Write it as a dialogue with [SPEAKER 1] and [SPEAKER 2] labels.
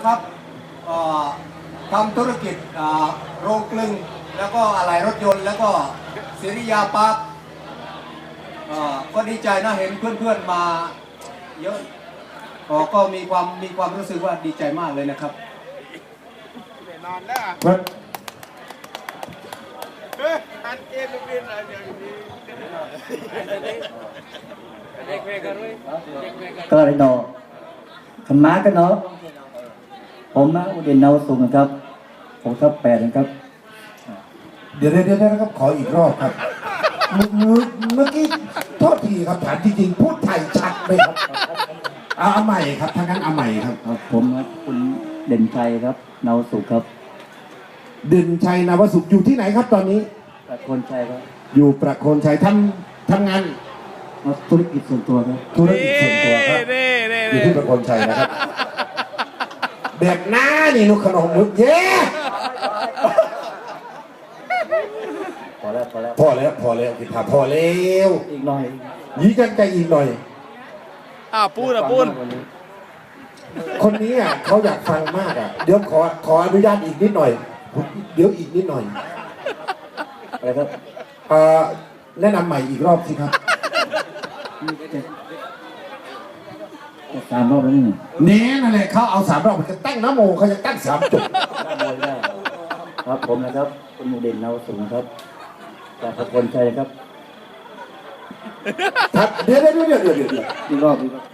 [SPEAKER 1] นะครับทำธุรกิจโรงกลึงแล้วก็อะไหล่รถยนต์แล้วก็ศิริยาปาร์คก็ดีใจนะเห็นเพื่อนๆมาเยอะก็มีความรู้สึกว่าดีใจมากเลยนะครับนอนแล้วอันเกมเป็นอะไรอย่างนี้
[SPEAKER 2] ก็เลยนอขม้าก็เนาะผมมาอุเดนเนาสูงนะครับผมทับ8นะครับ
[SPEAKER 3] เดี๋ยวนะครับขออีกรอบครับเมื่อกี้โทษทีครับถามจริงๆพูดไทยชัดไหมครับเอาใหม่ครับถ้างั้นเอาใหม่ครับ
[SPEAKER 2] ผมครับคุณเด่นชัยครับเนาสุขครับ
[SPEAKER 3] เด่นชัยนวสุขอยู่ที่ไหนครับตอนนี้
[SPEAKER 2] ประโคนชัยครับ
[SPEAKER 3] อยู่ประโคนชัยทำงาน
[SPEAKER 2] ธุรกิจส่วนตัวครับ
[SPEAKER 3] ธุรกิจส่วนตัวครับอยู่ที่ประโคนชัยนะครับแบบหน้านี่นุขนมมุกเย้
[SPEAKER 2] พอแล้ว
[SPEAKER 3] กินผักพอแล้ว
[SPEAKER 2] อีกหน่อย
[SPEAKER 3] ยี้กันใจอีกหน่อย
[SPEAKER 4] ปูน
[SPEAKER 3] คนนี้เขาอยากฟังมากเดี๋ยวขออนุญาตอีกนิดหน่อยเดี๋ยวอีกนิดหน่อย
[SPEAKER 2] อะไรครับ
[SPEAKER 3] แนะนำใหม่อีกรอบสิครับ
[SPEAKER 2] 3 รอบแล้วนี่
[SPEAKER 3] เน้นั่นแหละเขาเอา3 รอบมันจะตั้งน้ำโมเขาจะตั้ง3 จุด
[SPEAKER 2] ครับผมนะครับคุณเด่นเนาสูงครับจากประโคนชัยครับ
[SPEAKER 3] เดี๋ยว
[SPEAKER 2] อีกรอบ